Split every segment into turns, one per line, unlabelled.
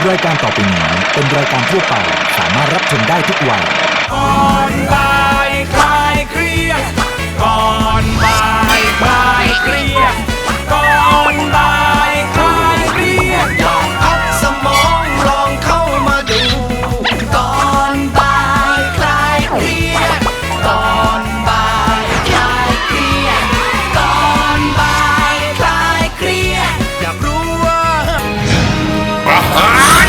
รายการต่อไปนี้เป็นรายการทั่วไปสามารถรับชมได้ทุกวัย
ก่อนบ่ายคลายเครียดก่อนบ่ายคลายเครียดก่อนบ่ายคลายเครียดลองพักสมองลองเข้ามาดูก่อนบ่ายคลายเครียดก่อนบ่ายคลายเครียดก่อนบ่ายคลายเครียดอยากรู้ว่าประหาร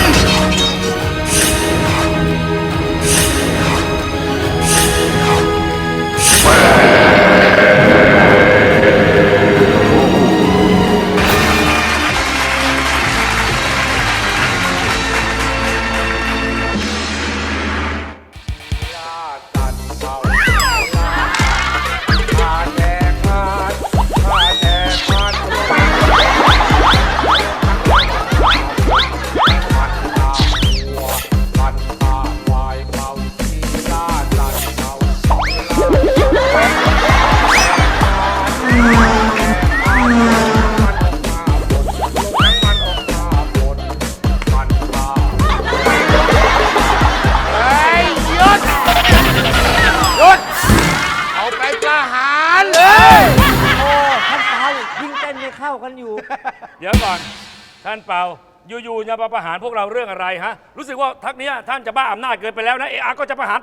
เดี๋ยวก่อนท่านเปาอยู่ๆจะมาประหารพวกเราเรื่องอะไรฮะรู้สึกว่าทักนี้ท่านจะบ้าอำนาจเกินไปแล้วนะก็จะประหาร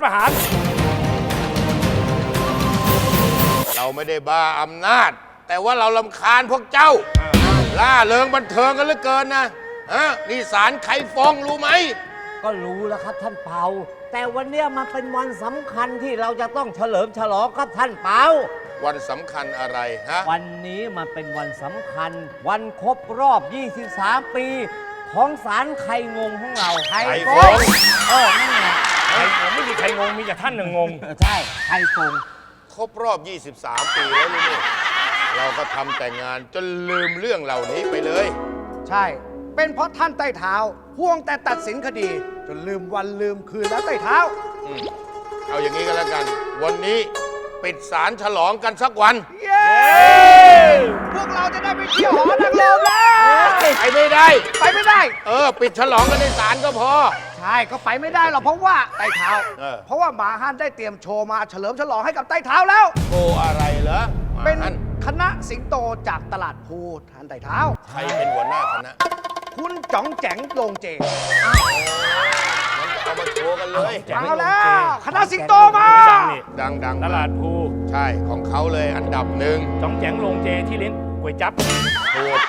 เราไม่ได้บ้าอำนาจแต่ว่าเรารำคาญพวกเจ้าล่าเริงบันเทิงกันเหลือเกินนะนี่ศาลไขฟองรู้ไหม
ก็รู้แล้วครับท่านเปาแต่วันเนี้ยมันเป็นวันสำคัญที่เราจะต้องเฉลิมฉลองครับท่านเปา
วันสำคัญอะไรฮะ
วันนี้มันเป็นวันสำคัญวันครบรอบ 23 ปีของศาลไข่งงของเราไข่ฟงนั่นแหละ
ผมไม่มีใครงงมีแต่ท่านหนึ่งงง
ใช่ไข่ฟง
ครบรอบ 23 ปีแล้วนี่เราก็ทำแต่งานจนลืมเรื่องเหล่านี้ไปเลย
ใช่เป็นเพราะท่านใต้เท้าห่วงแต่ตัดสินคดีจนลืมวันลืมคืนแล้วใต้เท้า
เอาอย่างนี้ก็แล้วกันวันนี้ปิดศาลฉลองกันสักวัน
เย้พวกเราจะได้ไปเที่ยวหอนางรมแล้ว
ไปไม่ได้ปิดฉลองกันในศาลก็พอ
ใช่ก็ไปไม่ได้หรอกเพราะว่าใต้เท้าเพราะว่าหมาฮั่นได้เตรียมโชว์มาเฉลิมฉลองให้กับใต้เท้าแล้ว
โชว์อะไรเหรอ
เป็นคณะสิงโตจากตลาดภูท่านใต้เท้า
ใครเป็นหัวหน้าคณะ
คุณจ๋องแจ๋งโรงเจ
งั้นก็เอามาโชว์กันเลย
เอาแล้วคณะสิงโตมา
ดัง
ตลาดภู
ใช่ของเขาเลยอันดับหนึ่ง
จ้องแจ๋งโรงเจที่เลี้ยงก๋วยจั๊บ
ถูก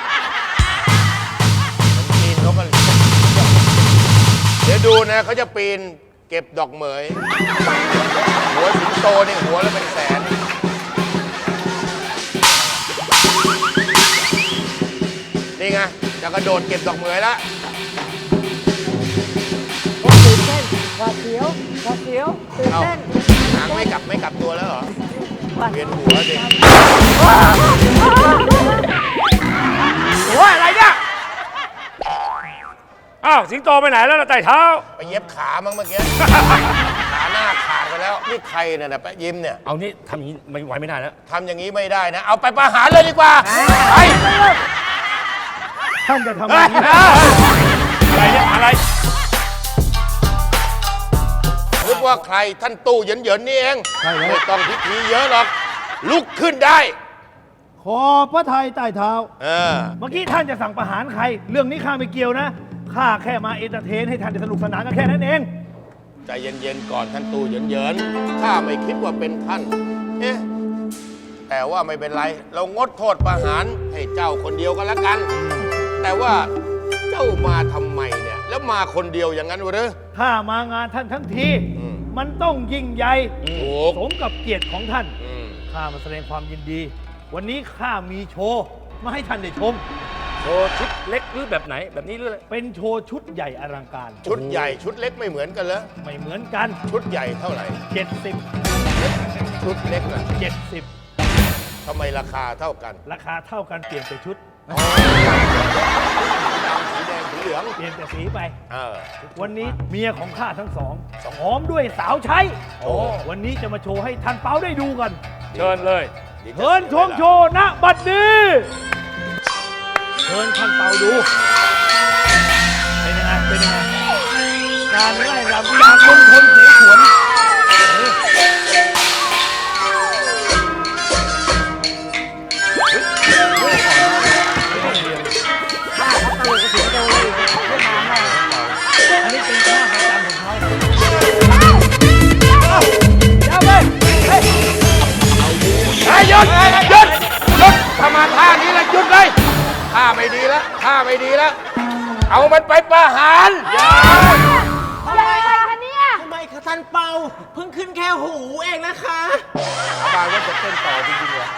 ปีนเขาก็เดี๋ยวดูนะเขาจะปีนเก็บดอกเหมยหัวสิงโตนี่หัวละเป็นแสนนี่ไงจะกระโดดเก็บดอกเหมยแล้ว
ตื่นเต้นหวาดเสียวตื่นเต้น
หางไม่กลับตัวแล้วเหรอเวียนหัวดิ
โอ้ยอะไรเนี่ย
อ้าวสิงโตไปไหนแล้วล่ะไต่เท้า
ไปเย็บขามั้งเมื่อกี้ขาหน้าขาดไปแล้วนี่ใครเนี่ยนะแปะยิ้มเนี่ย
เอานี่ทำอย่างนี้ไม่ไหวไม่ได้แล้ว
ทำอย่างนี้ไม่ได้นะเอาไปประหารเลยดีกว่าไป
ท่านจะทำอะไร
เนี่ยอะไร
นึกว่าใครท่านตู้เหยินๆนี่เองไม่ต้องพิธีเยอะหรอกลุกขึ้นได้
ขอพระทัยใต้เท้าเมื่อกี้ท่านจะสั่งประหารใครเรื่องนี้ข้าไม่เกี่ยวนะข้าแค่มาเอนเตอร์เทนให้ท่านได้สนุกสนานกันแค่นั้นเอง
ใจเย็นๆก่อนท่านตู้เหยินๆข้าไม่คิดว่าเป็นท่านแต่ว่าไม่เป็นไรเรางดโทษประหารให้เจ้าคนเดียวกันละกันแต่ว่าเจ้ามาทำไมเนี่ยแล้วมาคนเดียวอย่างนั้นหรือ
ข้ามางานท่านทั้งทีมันต้องยิ่งใหญ่สมกับเกียรติของท่านข้ามาแสดงความยินดีวันนี้ข้ามีโชว์มาให้ท่านได้ชม
โชว์ชุดเล็กหรือแบบไหนแบบนี้หรืออะไร
เป็นโชว์ชุดใหญ่อลังการ
ชุดใหญ่ชุดเล็กไม่เหมือนกันเหรอ
ไม่เหมือนกัน
ชุดใหญ่เท่าไหร่
70
ชุดเล็กล่ะ
70
ทำไมราคาเท่ากัน
ราคาเท่ากันเปลี่ยนแต่ชุด
สีแดงสีเหลือง
เปลี่ยนแต่สีไปวันนี้เมียของข้าทั้งสองหอมด้วยสาวใช้วันนี้จะมาโชว์ให้ท่านเปาได้ดูกัน
เชิญเลย
เชิญชมโชว์ณบัดนี้เชิญท่านเปาดูเป็นยังไงเป็นยังไงการไล่รำจากมณฑลเสฉวนอันนี้เป็นท่าประจำของเขา
หยุดถ้ามาท่านี้แล้วหยุดเลยท่าไม่ดีแล้วท่าไม่ดีแล้ว เอามันไปประหาร
ยังไงคะเนี่ย
ทำไมคะท่านเปาเพิ่งขึ้นแค่หูเองนะคะ
บายว่าจะเต้นต่อจริงๆเหรอ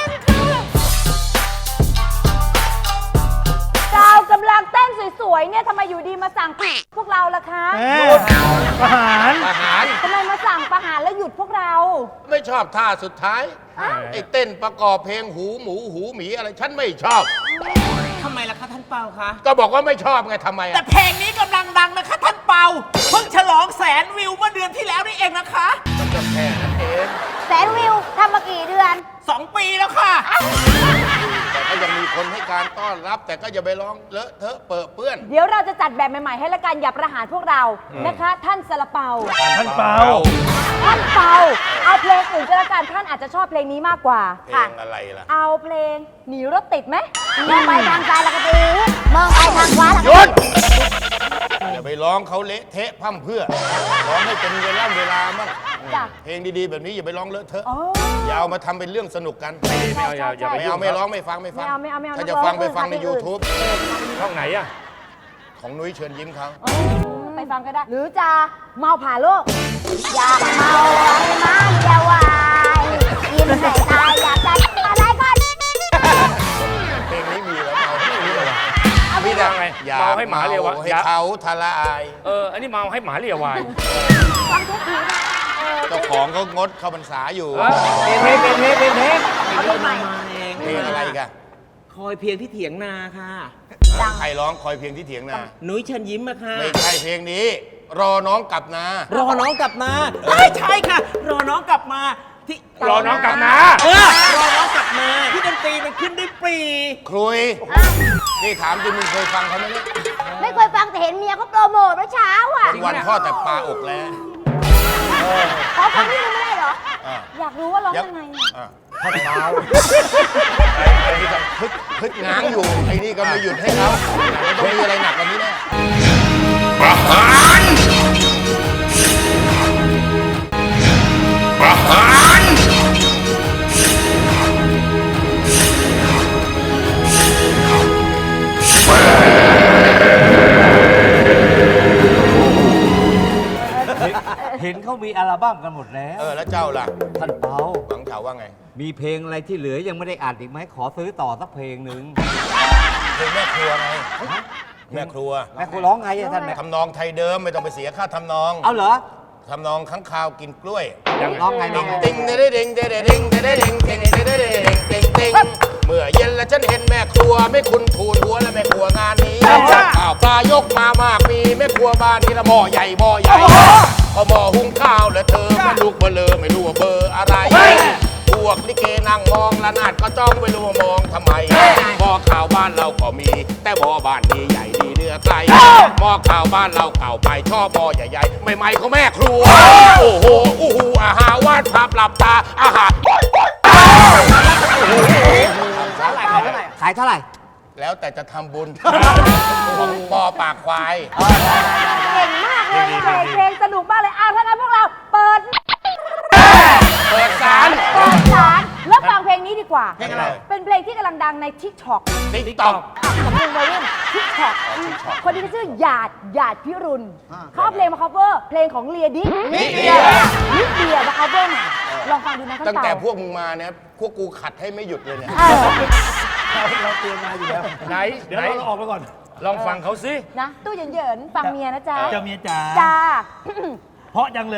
เรากำลังเต้นสวยๆ เนี่ยทำไมอยู่ดีมาสั่งพวกเราล่ะคะ
ประหาร
ประหาร
ทำไมมาสั่งประหารแล้วหยุดพวกเรา
ไม่ชอบท่าสุดท้ายไอ้เต้นประกอบเพลงหูหมูหูหมีอะไรฉันไม่ชอบ
ทำไมล่ะคะท่านเปาคะ
ก็บอกว่าไม่ชอบไงทำไม
แต่
อะ
เพลงนี้กำลังดังนะคะท่านเปาเพิ่งฉลอง100,000 วิวเมื่อเดือนที่แล้วนี่เองนะคะ
มันก็แค่นั้นเอง
แสนวิวทำมากี่เดือน
2 ปีแล้วค่ะ
แต่ก็ยังมีคนให้การต้อนรับ แต่ก็อย่าไปร้องเลอะเทอะเปื้อะเปื้อน
เดี๋ยวเราจะจัดแบบใหม่ๆ ให้ละกันอย่าประหารพวกเรานะคะ ท่านซาลาเปา
ท่านเปา
ท่านเปา เอาเพลงอื่นก็แล้วกันท่านอาจจะชอบเพลงนี้มากกว่า
เพล
ค่ะ
งอะไรล่ะ
เอาเพลงหนีรถติดไหมมองไปทางซ้ายแล้วก็ดีมองไปทางขวาแล้ว
ห
ก็
ยุด
ดี
อย่าไปร้องเขาเละเทะพร่ำเพรื่อร้องให้เป็นเวลามั่ง
จ้ะ
เพลงดีๆแบบนี้อย่าไปร้องเลอะเทอะ
อ๋อ
อย่าเอามาทำเป็นเรื่องสนุกกัน
ไม่เอาอย่าไป
ไม่
ยุ่
เอา
ง
ไม่ร้องไม่ฟังไม่ฟัง
ไม่เอา
ถ้า
นัก
จะ
ร้อง
ฟังไป
อื่น
ฟังใน
เพลงอื่น
YouTube
ช่องไหนอะ
ของนุ้ยเชิญยิ้มเขา
ไปฟังก็ได้ หรือจะเมาผ่าโลก อยากเมาให้มันเดียววายกินให้ตายอยากจะอะไรก็
เพลงนี้มีแล้วเอาไม่มีเลย
เอาไป
มีแต่
ไง
อย่า
เมาให้หมาเรียวะ
ให้เขาทลาย
อันนี้เมาให้หมาเลียวาย
ฟังทุกทีนะ
เจ้าของเขางดเข้าพรรษาอยู่
เป็นเพลง
เอาเพลงใหม่
มาเอง
เพลงอะไรกัน
คอยเพียงที่เถียงนาค่ะ
ดัง
ใครร้องคอยเพียงที่เถียงนา
นุ้ยเชิญยิ้มอะค่ะ
ไม่ใช่เพลงนี้ รอน้องกลับนา
รอน้องกลับมาใช่ค่ะ รอน้องกลับมาที่
รอน้องกลับนะ
รอน้องกลับมาที่ดนตรีมันขึ้นด้วยปรี
ครุย นี่ถามจริงมึงเคยฟังเขาไหมเนี่ย
ไม่เคยฟังแต่เห็นเมียเขาโปรโมทเมื่อเช้าอ่ะ
วันๆทอดแต่ปลาอกแล้ว
ขอฟังนิดนึงไม่ได้เหรอ
อ่ะ
อยากรู้ว่าร้องยังไงอะ
อ่ะท่านเมาไอ้นี่ก็พึดง้างอยู่ ไอ้นี่ก็ไม่หยุดให้เขามันต้องมีอะไรหนักกว่านี้แน่ประหารประหาร
เห็นเขามีอัลบั้มกันหมดแล้ว
แล้วเจ้าล่ะ
ท่านเปา
หวังเฉาว่าไง
มีเพลงอะไรที่เหลือยังไม่ได้อัดอีกไหมขอซื้อต่อสักเพลงหนึ่ง
เพลงแม่ครัวไง แม่ครัว
แม่คุณร้องไงอะท่านแม่
ทำนองไทยเดิมไม่ต้องไปเสียค่าทำนอง
เอาเหรอ
ทำนองค้างคาวกินกล้วย
ร้องไงร้องไง
ติงเด้เด้งเด้เด้งเด้เด้งเด้งเด้เด้งเด้งเด้งเมื่อเย็นแล้วฉันเห็นแม่ครัวไม่คุณทูนหัวและแม่ครัวงานนี้ข้าวปลายกมามากมีแม่ครัวบ้านนี้ละหม้อใหญ่พอหม้อหุงข้าวแล้วเธอมันลูกเบลอไม่รู้ว่าเบอร์อะไรพวกลิเกนั่งมองละนาดก็จ้องไม่รู้ว่ามองทำไมหม้อข้าวบ้านเราก็มี แต่หม้อบ้านนี้ใหญ่ดีเนื้อไก่หม้อข้าวบ้านเราเก่าไปชอบหม้อใหญ่ๆใหม่ๆของแม่ครัวโอ้โหอู้หูอาหารวาดภาพหลับตาอาหาร
ขายเท่าไหร่
แล้วแต่จะทำบุญ ของปอปากควาย
เก่งมากเลยเพลงสนุกมากเลยถ้างั้นพวกเราเปิด
เปิดสาร
แล้วฟังเพลงนี้ดีกว่า
เพลงอะไร
เป็นเพลงที่กำลังดังใน TikTok
ติ๊กต็อก
สำเนียงวัยรุ่น TikTok คนนี้ชื่อหยาดพิรุณเขาเอาเพลงมา cover เพลงของเลียดินิเดียมา cover ใหม่ลองฟังดูนะท่าน
ตั้งแต่
เต่า
พวกมึงมาเนี่ย พวกกูขัดให้ไม่หยุดเลยเนี่ย
เราเตรียมมาอยู่แล้ว
ไหน
เดี๋ยวเราออกไปก่อน
ลองฟังเขาสิ
นะตู้เหยินๆฟังเมียนะจ๊ะ
เจ้าเมียจ๋า
จ้า
เพราะจังเลย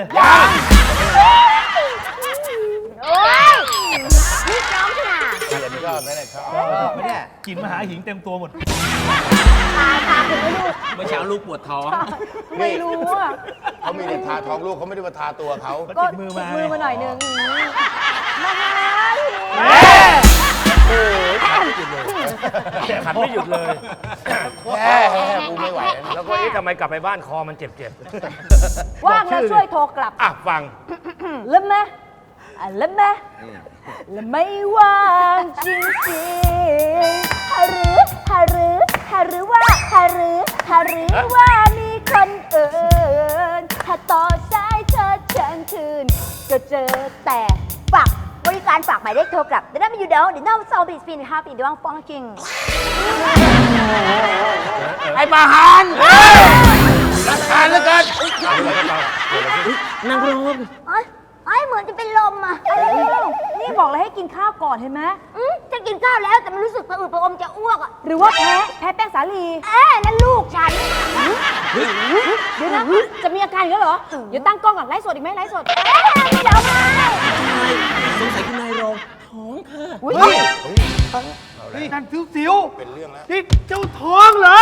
โอ้ยนี่น้องขนาด
ชอบไหมเนี่ยชอบ
ไม่ได้กลินมหาหิงเต็มตัวหมด
ตาถึงไม่รู้
เมื่อเช้าลูกปวดท้อง
ไม่รู้อ่ะ
เขามีแต่ทาท้องลูกเขาไม่ได้มาทาตัวเขา
ก็
ติดมือมา
หน่อยนึงมาหาหิง
ขันไม่หยุดเลย
แฮ่กูไม่ไหวแล้ว
แล้วก็เออ๊ะทำไมกลับไปบ้านคอมันเจ็บ
ว่างแล้วช่วยโทรกลับ
ๆอ่ะฟัง
แล้วไหมแล้วไหมแล้วไม่ว่างจริงๆหรือว่ามีคนอื่นถ้าต่อสายเธอเชิญคืนก็เจอแต่ฝากบริการฝากหมายเลขโทรกลับแต่ถ้าไม่อยู่เดี๋ยวน้องซอบีสปิน5 ปีดวงฟองจริง
ไอ้ประหารรักทานเหลือเกิน
ไอ้เหมือนจะเป็นลมอ่ะนี่บอกเลยให้กินข้าวก่อนเห็นไหมจะกินข้าวแล้วแต่มันรู้สึกผะอืดผะอมจะอ้วกอ่ะหรือว่าแพ้แป้งสาลีนั่นลูกฉันเดี๋ยวนะจะมีอาการอีกแล้วเหรอเดี๋ยวตั้งกล้องก่อนไลฟ์สดอีกไหมไลฟ์สดไม่เดี๋ยวมา
สงสัยคุณนายรองท้องค่ะ
อุ้ยนี่นั่นสิว
เป็นเรื่องแล้ว
นี่เจ้าท้องเหรอ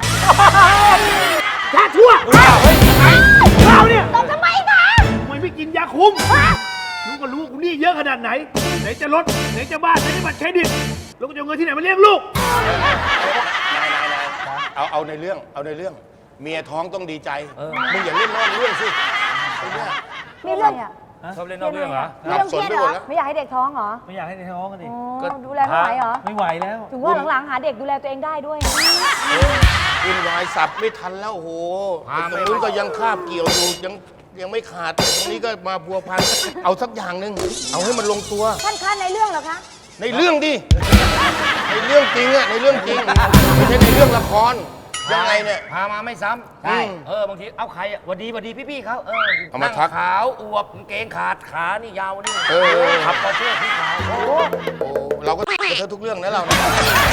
แค่ชั่วข้าวเนี่ย
ตบทำไมคะ
ทำไมไม่กินยาคุมรู้ก็รู้ว่ากูหนี่เยอะขนาดไหน ไหนจะรถไหนจะบ้านไหนจะบัตรเครดิตแล้วก็จะเอาเงินที่ไหนมาเลี้ยงลูก
นายเอาในเรื่อง เมียท้องต้องดีใจ มึงอย่าเล่นนอกเรื่องสิไอ้เนี่ย
มีเรื่องอ่ะ
ชอบเล่นนอกเรื่องเหรอ
มีเรื่องเครียดเหรอไม่อยากให้เด็กท้องเหรอ
ไม่อยากให้ในท้องกันดิ
ดูแลไม่ไหวเหรอ
ไม่ไหวแล้ว
ถึงว่าหลังๆหาเด็กดูแลตัวเองได้ด้วย
วุ่นวายสับไม่ทันแล้วโอ้โหตรงนู้นก็ยังคาบเกี่ยวอยู่ยังไม่ขาดตรงนี้ก็มาพัวพันเอาสักอย่างหนึ่งเอาให้มันลงตัว
ท่านคะในเรื่องเหรอคะ
ในเรื่องดิในเรื่องจริงอะในเรื่องจริงไม่ใช่ในเรื่องละครยังไงเนี่ย
พามาไม่ซ้ำ
ใช่
บางทีเอาใครหวัดดีพี่ๆเขา
เอามาทัก
นั่งขาวอวบกางเกงขาดขานี่ยาวนี่ ขับปอร์เช่สีขาว
โอ้เราก็ไปเธอทุกเรื่องนะเราเนี่ย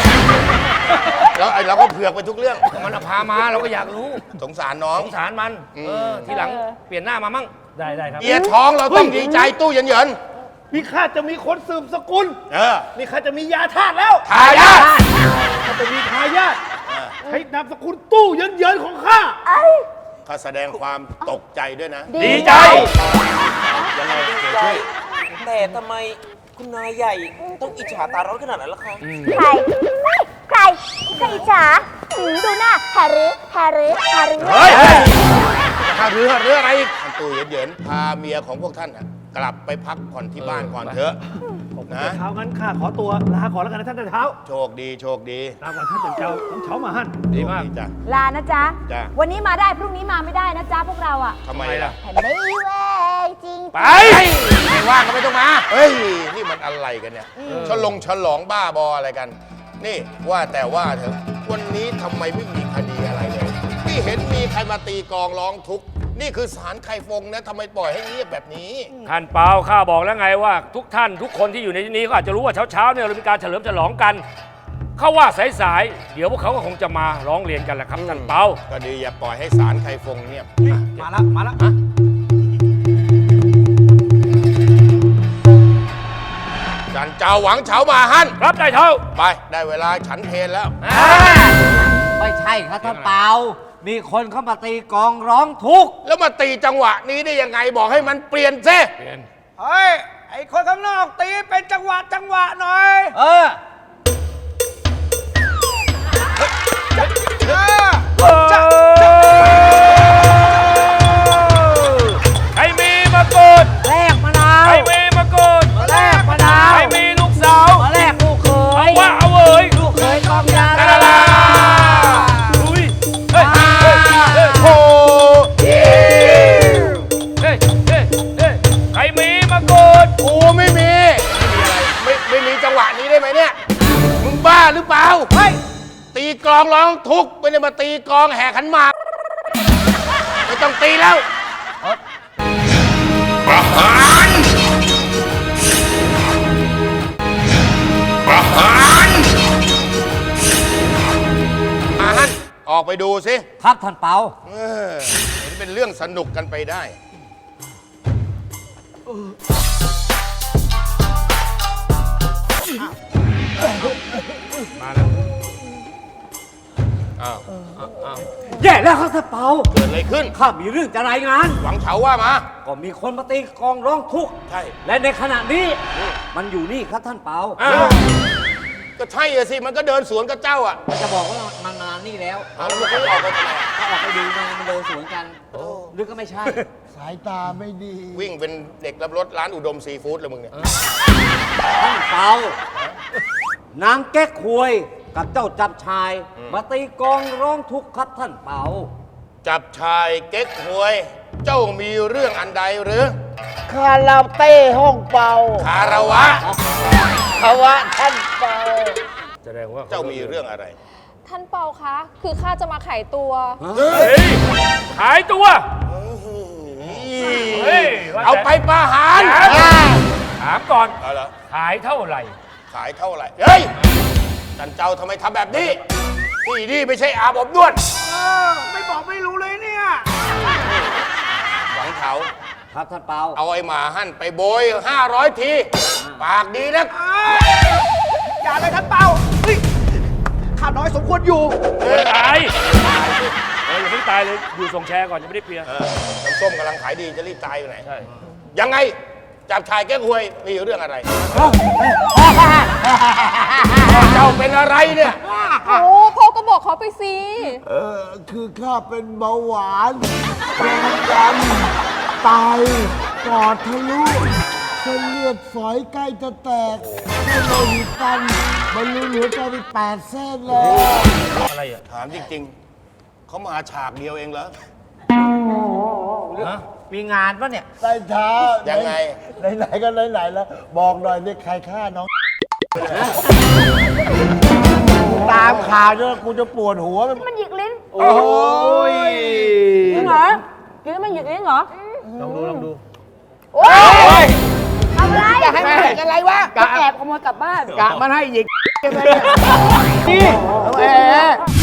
เราก็เผือกไปทุกเรื่อง
มันเอาพามาเราก็อยากรู้
สงสารน้อง
สงสารมัน ทีหลังเปลี่ยนหน้ามามั่ง
ได้ครับ
เอียท้องเราต้องดีใจตู้เย็น
นี่ข้าจะมีคนสืบสกุล
ๆ
นี่ข้าจะมียาธาตุแล้ว
ทายาท
ข้าจะมีทายาทใช้นามสกุลตู้เยินๆของข้า
ข้าแสดงความตกใจด้วยนะ
ดีใจ
ยังไงเดี๋ยวช่วย
แต่ทำไมคุณนายใหญ่ต้องอิจฉาตาร้อนขนาดนั้นล่ะคะ
ใครอิจฉาดูหน้าแฮร์รี่
เฮ้ยหาเรืออะไรอีกท่านตู้เย็นๆพาเมียของพวกท่านน่ะกลับไปพักผ่อนที่บ้านก่อนเถอะ
นะเช้างั้นข้าขอตัวลาก่อนแล้วกันนะท่านเช้า
โชคดี
ลาก่อนท่านเช้าต้องเช้ามาหั่น
ดีมาก
จ้ะ
ลานะจ๊ะ
จ้ะ
วันนี้มาได้พรุ่งนี้มาไม่ได้นะจ๊ะพวกเราอ่ะ
ทำไมล่ะ
ไม่แวงจริง
ไปไม่ว่างก็ไม่ต้องมา เฮ้ย นี่มันอะไรกันเนี่ยฉลองบ้าบออะไรกัน นี่ว่าแต่ว่าเถอะวันนี้ทำไมไม่มีคดีอะไรเลยไม่เห็นมีใครมาตีกลองร้องทุกข์นี่คือศาลไข่ฟงนะทำไมปล่อยให้เงียบแบบนี้
ท่านเปาข้าบอกแล้วไงว่าทุกท่านทุกคนที่อยู่ในที่นี้ก็อาจจะรู้ว่าเช้าๆเนี่ยเรามีการเฉลิมฉลองกันเขาว่าสายๆเดี๋ยวพวกเขาก็คงจะมาร้องเรียนกันแหละครับท่านเปา
ก็ดีอย่าปล่อยให้ศาลไข่ฟงเงียบ
มาแล้ว
จันเจ้าหวังเฉามาฮั่น
รับได้เท่า
ไปได้เวลาฉันเพลแล้ว
ไม่ใช่ครับท่านเปามีคนเข้ามาตีกลองร้องทุกข์
แล้วมาตีจังหวะนี้ได้ยังไงบอกให้มันเปลี่ยนซิ
เปลี่ยน
เฮ้ย ไอคนข้างนอกตีเป็นจังหวะหน่อย
ใครมีมะกรูด
แลกมะนาว
ใครมีมะกรูด
แลกมะนาว
ใครมีลูกสาว
มาแลกลูกเขย
ว่าเอาเว้ย
ลูกเขยกองยา
ลาลาลาอุ้ยเฮ้ยโอ้เฮ้ยใครมีมะกรูด
กูไม่มีไม่มีจังหวะนี้ได้ไหมเนี่ยมึงบ้าหรือเปล่าเฮ้ยตีกลองร้องทุกข์ไม่ได้มาตีกลองแห่ขันหมากไม่ต้องตีแล้วประหารอาฮันออกไปดูสิ
ครับท่านเปา
เห็นเป็นเรื่องสนุกกันไปได้
มาแล้ว
อ้าว
แย่แล้วครับท่านเปา
เกิดอะไรขึ้น
ข้ามีเรื่องจะรายงาน
หวังเฉาว่ามา
ก็มีคนมาตีกลองร้องทุกข์
ใช่
และในขณะนี้ มันอยู่นี่ครับท่านเปา
อ้าว ก็ใช่อะสิ มันก็เดินสวนกับเจ้าอ่ะ
จะบอกว่ามันมานี่แล้ว
เอาแล้วเขาออกไปทำไมอะ
เขาออกไปดูไงมันเดินสวนกันหรือก็ไม่ใช่
สายตาไม่ดี
วิ่งเป็นเด็กรับรถร้านอุดมซีฟู้ดเลยมึงเนี่ย
ท่านเปานางแก๊กควยกับเจ้าจับชาย มาตีกลองร้องทุกข์ครับท่านเปา
จับชายเก๊กหวย เจ้ามีเรื่องอันใดหรือ
คาราเต้ห้องเป่า
คารวะ
ภาวะท่านเป่า
แสดงว่า
เจ้ามีเรื่องอะไร
ท่านเปาคะ คือข้าจะมาขายตัว
เฮ้ยขายตัว เฮ้ยว่าแต่
เอาไปประหาร
ถามก่อน
เอาเหรอ
ขายเท่าไหร่
ขายเท่าไหร่ เฮ้ยท่านเจ้าทำไมทำแบบนี้ ที่นี่ไม่ใช่อาบอบนวด
ไม่บอกไม่รู้เลยเนี่ย
หวังเขา
ครับท่านเปา
เอาไอ้หมาหั่นไปโบย 500 ที ปากดีนัก
อย่าเลยท่านเปาเฮ้ยข้าน้อยสมควรอยู่
ตายอย่าเพิ่งตายเลย อยู่ส่งแชร์ก่อนยังไม่ได้เปลี่ยน
น้ำส้มกำลังขายดีจะรีบตายอยู่ไหน
ใช่
ยังไง จับชายแก้หวยมีเรื่องอะไร เจ้าเป็นอะไรเนี่ย
โอ้พ่อก็บอกเขาไปสิ
คือข้าเป็นเบาหวานความดันไตปอดทะลุเส้นเลือดฝอยใกล้จะแตกเส้นโลหิตตันบรรลุหัวใจไป8 เส้นแล้ว
อะไรอ่ะ
ถามจริงๆ เขามาฉากเดียวเองเหรอ
มีงานปะเนี่ย
ใต้เท้า
ยังไง
ไหนๆก็ไหนๆแล้ว บอกหน่อยนี่ใครฆ่าน้อง ตามข่าวเนี่ยกูจะปวดหัว
มันหยิกลิ้น
โอ้ย
จริงเหรอกินแล้วมันหยิกลิ้นเหรอ
ลองดูลองดู
โอ้ยทำไร
จะให้มันหยิกอะไรวะ
จะแอบขโมยกลับบ้าน
กะมันให้หยิก
นี่
แหม